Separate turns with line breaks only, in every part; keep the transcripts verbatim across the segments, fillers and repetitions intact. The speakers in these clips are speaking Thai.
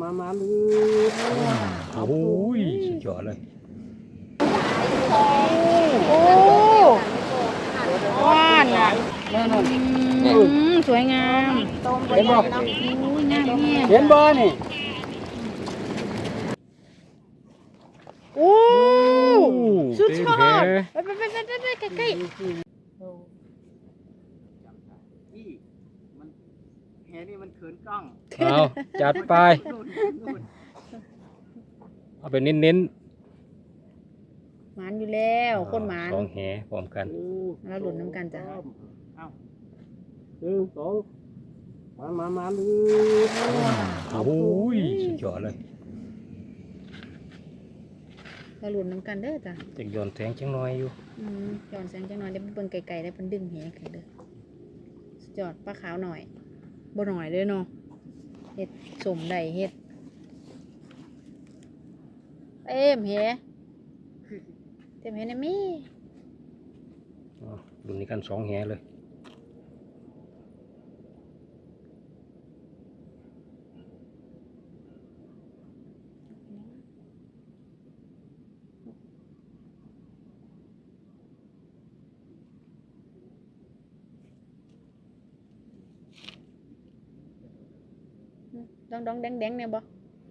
มามาเลยโอ้ยสุดยอดเลย
โอ้ว่านอ่ะสวยงาม
เห็นบ่
งามเนี่ย
เห็นบ่นี่
โอ้สุดยอดไปไปไปไปไปใกล้
นี่มันแหนี่มันเขินกล้อง
เอาจัดไปเอาไปเน้น
ๆหมานอยู่แล้วคนหมาน
สองแหพร้อมกัน
แล้วหลุดน้ำกันจ้ะ
เอาหนึ่งสองมามามาเลย
โอ้ยสุดยอดเลย
เราหลุดน้ำกันเด้อจ้ะ
จะย้อนแสงจังน้อยอยู่
อืมย้อนแสงจังน้อยได้เบิ่งไกลๆได้เป็นดึงแหขึ้นเด้อสุดยอดปลาขาวหน่อยบ่หน่อยเด้อเนาะเฮ็ดสมได้เฮ็ดเต็มแหเต็มแหนะมี่
รุ่นนี้กันสองแหเลย
ดองดองแดงแดงเนี่ยบ่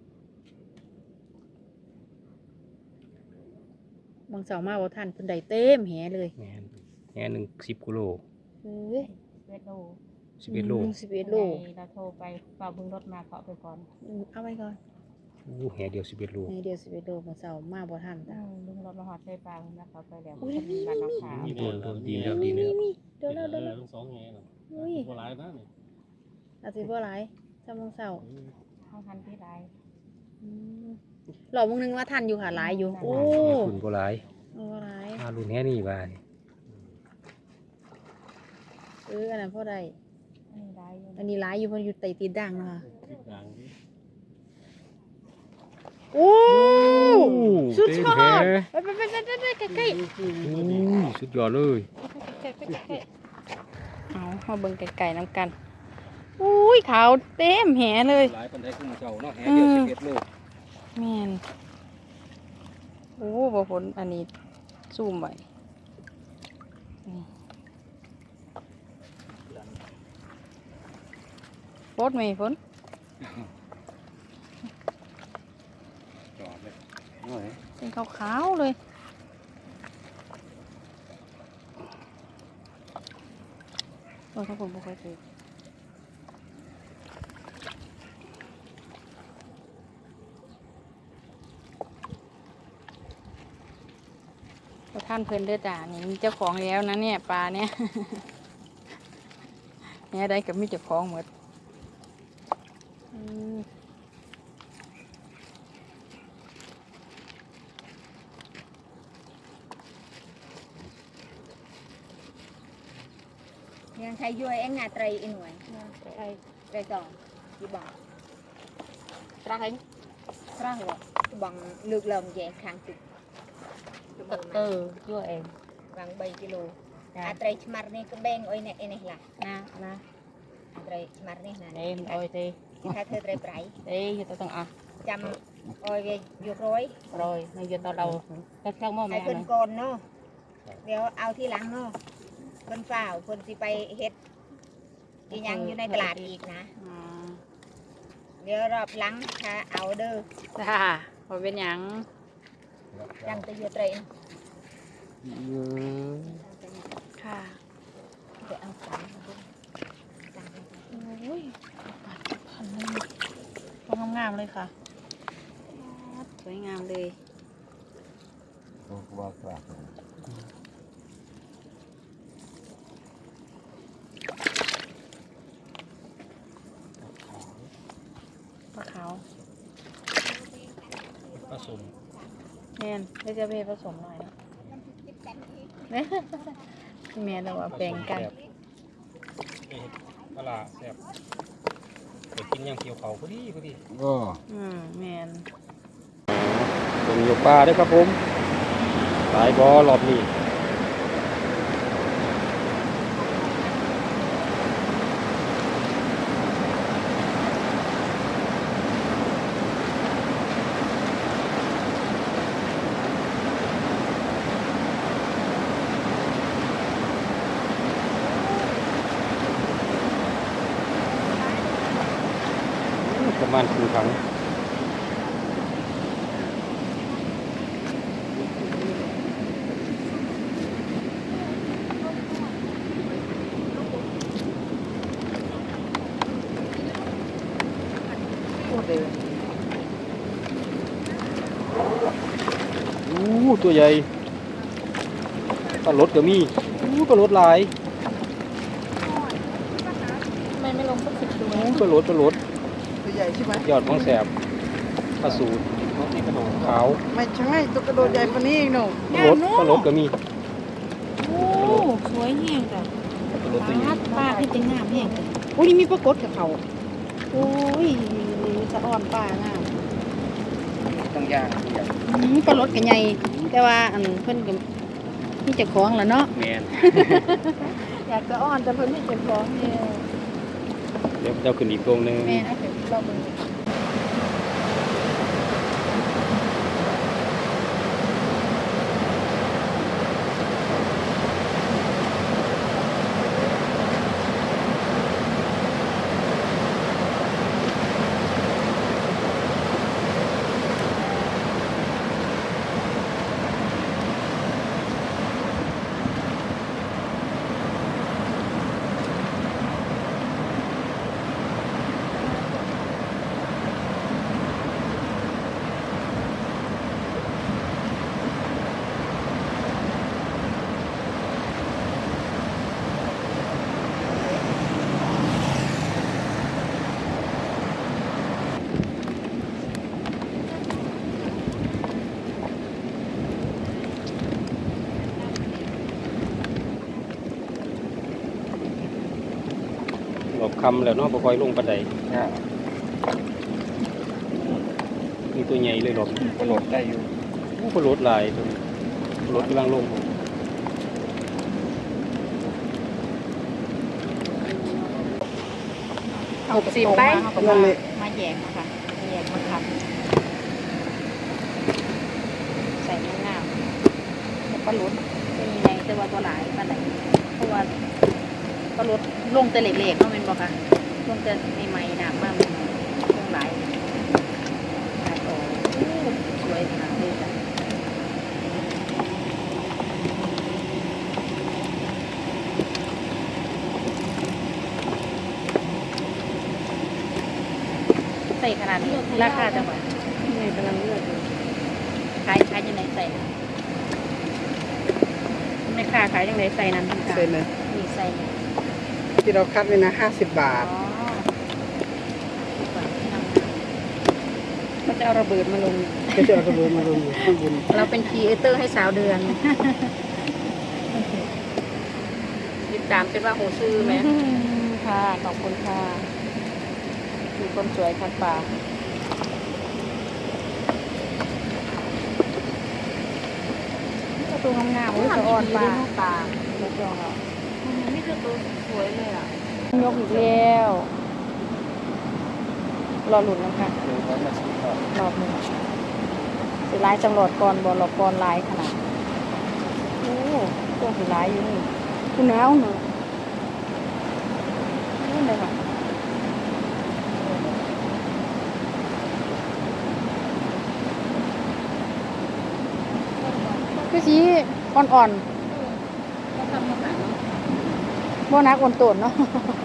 บางเสาร์มาบ่ทันเพิ่นได้เต็มแหเลย
แหแหหนึ่งสิบกิโล
เอ้ย
สิบเอ็ดโล
สิบเอ็ดโล
สิบเอ็ดโล
เราโทรไปเป่าบึงรถมาเขาไปก่อน
เอาไว้ก่อน
โอ้แหเดียวสิบเอ็ดโล
แหเดียวสิบเอ็ดโลบางเสาร์มาบ่ทันจ้ะ
บึงรถมาหอดใส่ปลาแล้วเขาไปแล้ว
อุ้ยมีมีมี
โดนโดนดีแล้วดีแล้ว
เดี๋ยวเราเดี๋ยวเรา
สองแง่น่ะ
อุ้ย
บ่หลายนะนี่
อาจสิบ่หลายจำบางเสาร์
เข้าทันที่ใด
หลอกมึงนึงว่าทันอยู่ค่ะหลายอยู่โอ้
คุณบ่หลาย
บ่หลาย
มารุ่นแหนี่บ่
เอออันนั้นพอได้
อันนี้ได้อยู่
อันนี้หลายอยู่เพราะอยู่ใต้ตีนด่างเนาะ
ติดด่างดิ
โอ้สุดยอดไปไปไปไปไปใกล้
ๆสุดยอดเลย
เอามาเบิ่งไก่ๆน้ำกันอุ้ยขาวเต็มแหเลย
หลายปันไดขึ้นมาเก่าเนาะแหเดียวสิบเอ็ดโล
แม่นโอ้บ่ผลอันนี้ซูมไว้ฝนไหมฝน
จอดเลย
เป็นขาวๆเลยโอ้ถ้าผมบ่ค่อยเจอท่านเพิ่นเด้อจ้านี่มีเจ้าของแล้วนะเนี่ยปลาเนี่ยเนี่ยได้กับมีเจ้าของหมด
ยังใช้ย้อยเอ็งงาไตรอีหน่วยไตรไตรสองยี่บังตราเองตราเหรอบังเลือกลมแย่คางติดเออย้อยเองบังใบกิโลอาไตรชมาร์นี่ก็แบ่งอ้อยเนี่ยเอ็นนี่ล่ะนะนะอาไตรชมาร์นี่นะเอ็มอ้อยตีถ้าเธอไตรไตรเอ้ยจะต้องอ่ะจำอ้อยอยู่ร้อยร้อยในยืนต่อเราก็ช่างมั่วไหมไอ้คนโกนเนาะเดี๋ยวเอาที่หลังเนาะคนฝ่าวคนสิไปเฮ็ดอีหยังอยู่ในตลาดอีกนะเดี๋ยวรอบหลังค่ะเอาเด้อ
จ้าพอเป็นหยัง
จังตะยูเตรน
ค่ะ
เดี๋ยวเอาสาม
โอ้ยพันนึงต้องงามๆเลยค่ะสวยงามเลย
ว่าครับ
ปลาขาว
ผสม
แม่นได้จะไปผสมหน่อยนะแม่แม่เราว่าแบ่งกัน
ปลาแซ่บไปกินอย่างเกี่ยวเขาพอดีพอดี
อ๋อ
อืมแม่น
เป็นอยู่ปลาด้วยครับผมหลายบ่อรอบนี้ณครึ่งถังอู้ตัวใหญ่ปลารสก็มีอู้ปลารสหลาย
ทำไมไม่ลงสักสิบตัว
อู้ปลารสปลารส
ตัวใหญ่ใช่ไหม
ยอดของแสบปลาสูตรขาว
ไม่ใช่ตัวกระโดดใหญ่กว่านี้อีกหนู
ปลารสปลารสก็มี
โอ้สวยแห้งจ้ะ
ปลารสตัวใหญ่
ป้าที่จะงามแห้งจ้ะโอ้ยนี่มีปลากดกับเขาโอ้ยสะอ่อนป้างาม
ต้องย่าง
อืมปลารสกันใหญ่แต่ว่าอันเพิ่นก็มีเจ้าของแล้วเนาะ
แมน
อยากจะอ่อนแต่เพิ่นมีเจ้าของเนี่ย
เดี๋ยวเจ้าขึ้นอีกตรงหนึง
แม่นะเดี๋ยวเราเบิ่ง
หลบคำแล้วเนาะบ่ค่อยลงปานใดมีตัวใหญ่เลยหลบ
ปลารสได้อยู่
อู้ปลารสหลายตัวนี้ปลารสกำลังลง
หกสิบไป
นั่นเลย
มาแยกมาค่ะมาแยกมาคับใส่งามๆแล้วปลารสเป็นยังไงแต่ว่าตัวหลายปานใดเพราะว่าปลารสลงแต่เล็กๆเนาะแม่นบ่คะลงแต่ใหม่ๆน้ำมามันลงหลายหลายโตโอ้สวยขนาดนี้จ้ะ ใส่ขนาดนี้ราคาจังหวะ
นี่กำลังเลือกอยู่
ขายขายยังไงใส่นะแม่ค้าขายยังไงใส่นั้น
เซ็นเลย
มีใส่
ที่เราคัดไว้นะห้าสิบบาท
อ๋อก็จะเอาระเบิดมาลง
ก็จะเอากระเบือมาลงอยู่ข้างบน
เราเป็นครีเอเตอร์ให้สาวเดือนติดตามเป็นว่าโหซื้อไหมค่ะ ขอบคุณค่ะมีคนสวยคัดป่าตัวงามๆอุ้ยสะอ่อนปลาปลาไม่จองหรอนี่คือตัวสวยเลยอ่ะยกอีกแล้วรอหลุดนะคะรอบหนึ่งสีลายจำรอดก่อนบอลรอบก่อนลายขนาดโอ้ตัวสีลายอยู่นี่คุณน้าวหนูนี่เลยค่ะคือสีอ่อนๆโบนักอ่อนโตนเนาะ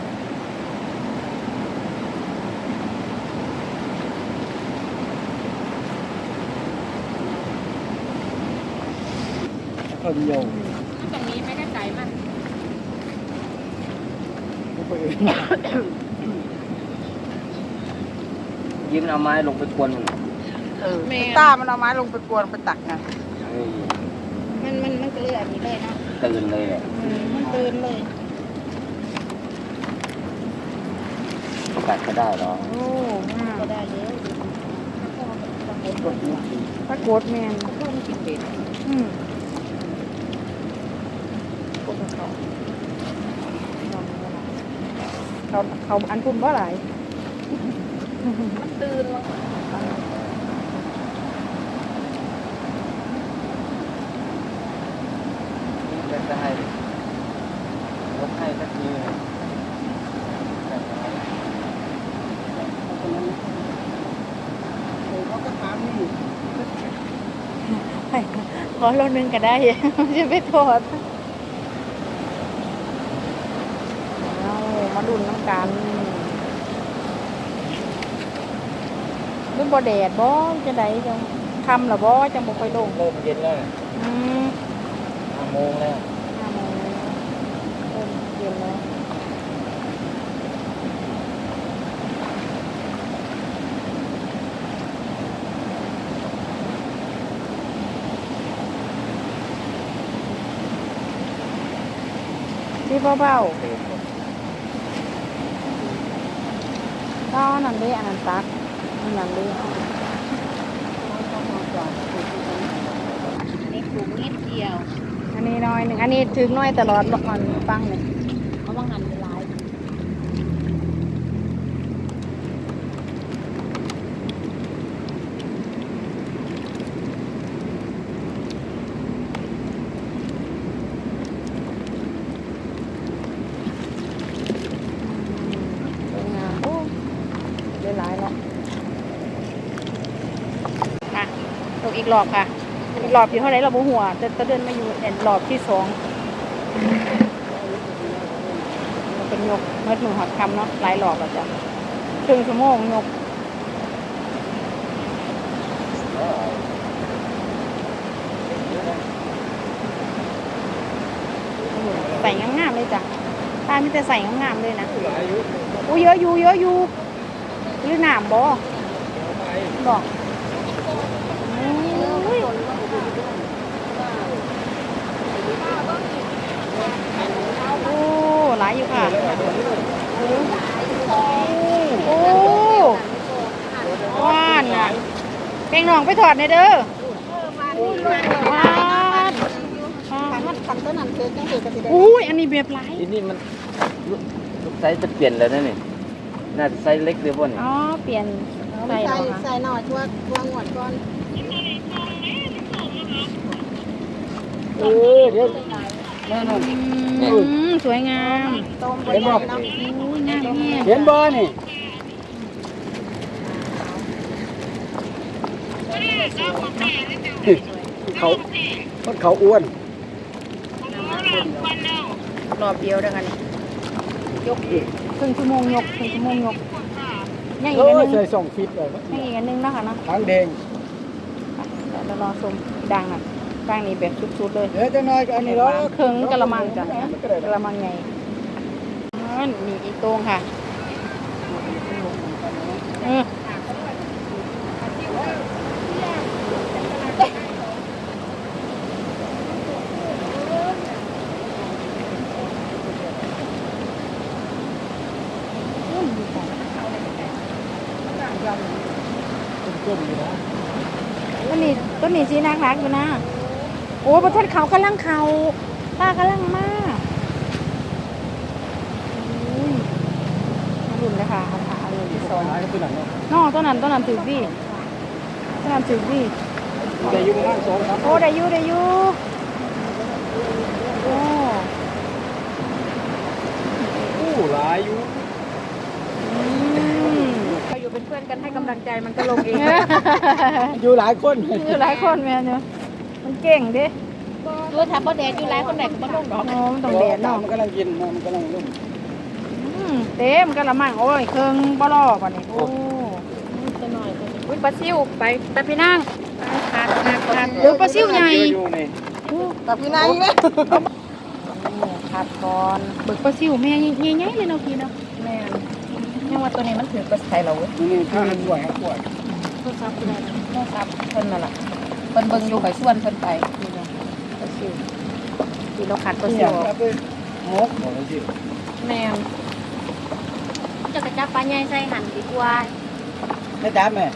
ข้าวเหนียว
ตรงนี้ไม่ได้ใจมัน
ยิ้มเอาไม้ลงไปกวนมัน
เออต้ามันเอาไม้ลงไปกวนไปตักไง
เฮ้ย
มันมันมันก็เลยอันนี้เลยเนาะ
ตื่นเลยอ่ะ
มันตื่นเลย
กัดก็ได้หรอ
โอ้ก็ได้เยอะ
ปรากฏแมน
เพิ่มกินเด็ด
อืม
พวกเขา
เขาเขาอันพุ่มว่าหลาย
มันตื่นแล้ว
จะจะให้ยกให้สักที
อโลนึงก็ได้ จะไปทอดเอามาดุนน้ำกันเป็นบ่แดดบ่จะได้จังคำหรอบ่จังบ่ค่อยลง
เริ่มเย็นแล้ว
อืม
ห้าโมงแล้ว
ห้าโมงเริ่มเย็นแล้วที่เบาๆก็นั่นเด้อันนั้นตักอันนั้นเด้
อันนี้ปลูกนิดเดียว
อันนี้น้อยหนึ่งอันนี้ถึงน้อยตลอดบอกมันฟังเลย
เพราะว่างันเป็นลาย
สวยงามโอ้ได้หลายแล้วค่ะตกอีกรอบค่ะ อีกรอบที่เท่าไหรเราบ่หัวแต่ตะเดินมาอยู่แอนรอบที่สองมันเป็นยกเมื่อหนึ่งหอดคำเนาะหลายรอบแล้วจ้ะครึ่งชั่วโมงยกใส่งามๆเลยจ้ะป้ามีแต่ใส่งามๆเลยนะอู้เยอะอยู่เยอะอยู่หรือหนามบ่บอกอุ้ยโอ้หลายอยู่ค่ะโอ้ว่านน่ะแป้งหนองไปถอดในอยเด้อว้านอุ้ยอันนี้แบบหลาย
ทีนี้มันลูกไซส์จะเปลี่ยนแล้วนะนี่น่าจะไซส์เล็กเลยบ่นี่
อ๋อเปลี่ยนใส่เหรอคะ
ใส่หน่อยช่วยช่วยงวดก่อน
เออเดี๋ยวนั่นนั่น
อืมสวยงาม
ต้ม
เห็นบ่
อุ้ยงามแน่
เห็นบ่นี่เขาคนเขาอ้วน
รอบเดียวเด้อกันยกครึ่งชั่วโมงยกครึ่งชั่วโมงยกยังอี
โอ้
กอันห
ย
นึง
ใส่สองฟิตเลย
ยังอีกอันหนึงนะคะเนาะ
ทางแดง
เดี๋ยวเรารอชมดังอ่ะดังนี่แบบสุดๆเลย
เดี๋ยวจะน้อยก็อันนี้แล้ว
เครื่องกะละมังจ้ะกะละมังไงมีอีกตรงค่ะเออต้นนี้ต้นนี้สีนักนักอยู่นะโอ้ประเทศเขากำลังเขาป้ากำลังมากอุ้ยมาดุนเลยค่ะเอาขาเลยที่สอง
หายก็ตัวนั้นเนาะ
นอต้นนั้นต้นนั้นถือดีต้นนั้นถือดี
แต่อยู่ประมาณสองสาม
โอ้ได้อยู่ได้อยู่โอ้
ผู้หลายอยู่
อืม
เราอยู่เป็นเพื่อนกันให้กำลังใจมันก็ลงเอง
อยู่หลายคน
อยู่หลายคนแม่เนาะมันเก่งดิ
ดูถ้าบ่แดดอยู่หลายคนไหนก็บ่ลงดอก
โอ้มันต้องแดดเนาะ
มันกำลังกินมันกำลังลุ่ม
อืมเต็มกะละมังโอ้ยเครื่องบ่รอป่ะนี่โอ้
จะหน่อย
อุ้ยปลาซิวไปไปพี่นั่ง
ขาดขาดขาดโอ้ปลาซิวใหญ่
อยู่นี่
ไปพี่นั่งเลย
ขาดก่อนเบิกปลาซิวแม่ใหญ่ๆเลยเนาะพี่เนาะ
แม่ยังว่าตัวนี้มันถือกระไทยเราเว้ย
นี่ข้าวมันสวยครับสวย
โทรศัพท์อะไรนะ
แม่ครับเพิ่นน่ะล่ะเพิ่นเบิ่งอยู่ข่อยส่วนเพิ่นไป
นี่เนาะปลาซิวที่เราขาดปลา
อ
ซิ
ย่าว งครับเป็นมกบอกเลยสิ
แม่
จะกระจับปลาใหญ่ใส่หั่นดีกว่า
ไม่จับแม่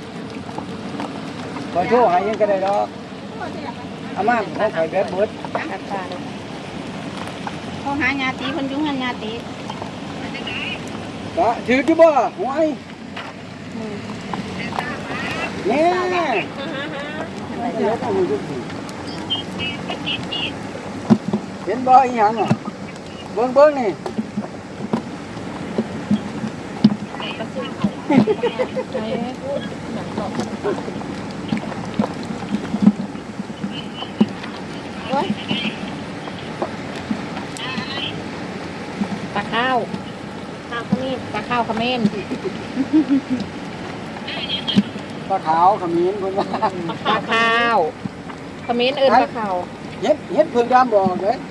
ขอโทษให้ยังก็ได้ดอกอาม่าของข่อยแบบเบิด
ขาดปลาเลย
เขาหาญาติเพิ่นอยู่หันญาติ
ก็ถือที่บ่หวย
อืม
แม่เดี๋ยวต้องมีทุกทีเห็นบ่อีหยังอ่ะเบิ่งเบิ่งนี่
ไอ้ข้าวขมิ้น
ปลาขาวขมิ้นคนว่า
ปลาข้าวขมิ้นเอิญปลาข้าว
เฮ็ดเฮ็ดเพิ่งดำบอกเลย